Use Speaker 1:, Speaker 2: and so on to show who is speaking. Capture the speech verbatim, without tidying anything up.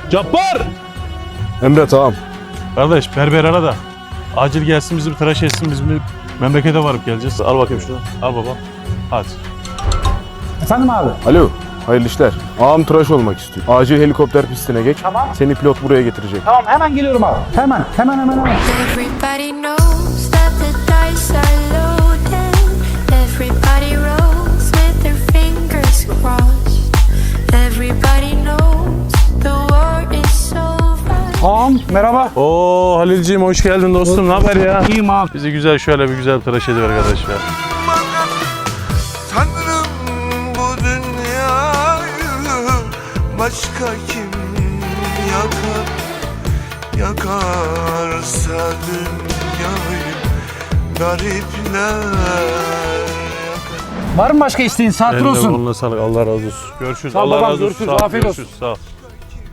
Speaker 1: Cabbar!
Speaker 2: Emre tamam.
Speaker 1: Kardeş berber ara da. Acil gelsin bizi bir tıraş etsin, biz bir memlekete varıp geleceğiz. Al bakayım şunu. Al baba. Hadi.
Speaker 3: Efendim abi?
Speaker 2: Alo. Hayırlı işler. Ağam tıraş olmak istiyor. Acil helikopter pistine geç.
Speaker 3: Tamam.
Speaker 2: Seni pilot buraya getirecek.
Speaker 3: Tamam hemen geliyorum abi. Hemen hemen hemen hemen.
Speaker 4: Everybody knows that the dice are loaded. Everybody rolls with their fingers crossed. Everybody knows the war is over.
Speaker 3: Ağam merhaba.
Speaker 1: Oo Halilciğim hoş geldin dostum. Ne haber ya?
Speaker 3: İyiyim abi.
Speaker 1: Bizi güzel şöyle bir güzel tıraş ediver arkadaş ya.
Speaker 5: Tanrım bu dünyayı başka kim yakar? Yakarsa dünyayı garipler yakar.
Speaker 3: Var mı başka isteğin? Saat
Speaker 1: Eline
Speaker 3: olsun.
Speaker 1: koluna sağlık. Allah razı olsun. Görüşürüz.
Speaker 3: Sağ ol
Speaker 1: Allah
Speaker 3: babam,
Speaker 1: razı olsun.
Speaker 3: görüşürüz.
Speaker 1: Sağ ol,
Speaker 3: Afiyet olsun.
Speaker 1: görüşürüz. Sağ ol.